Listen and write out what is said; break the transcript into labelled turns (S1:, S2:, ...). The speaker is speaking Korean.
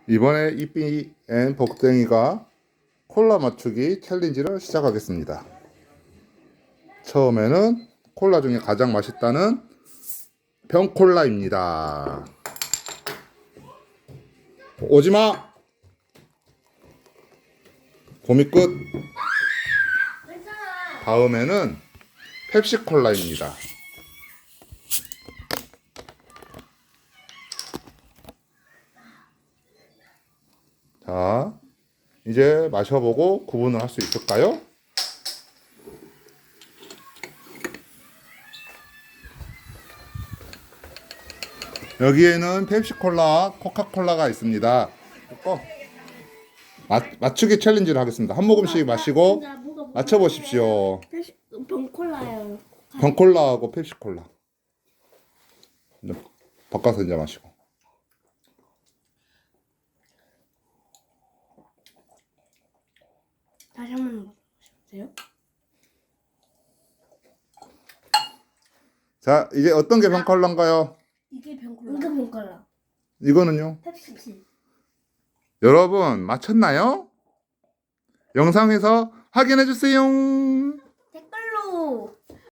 S1: 이번에 이삐&, 복댕이가 콜라 맞추기 챌린지를 시작하겠습니다. 처음에는 콜라 중에 가장 맛있다는 병콜라입니다. 오지마! 고미 끝! 다음에는 펩시콜라입니다. 자, 이제 마셔보고 구분을 할 수 있을까요? 여기에는 펩시콜라, 코카콜라가 있습니다. 맞추기 챌린지를 하겠습니다. 한 모금씩 마시고 맞춰보십시오.
S2: 병콜라요.
S1: 병콜라하고 펩시콜라. 이제 바꿔서 이제 마시고.
S2: 다시 한번 보세요.
S1: 자, 이제 어떤 게 병콜라인가요?
S2: 이게 병콜라. 이거 병콜라.
S1: 이거는요?
S2: 펩시.
S1: 여러분 맞췄나요? 영상에서 확인해 주세요.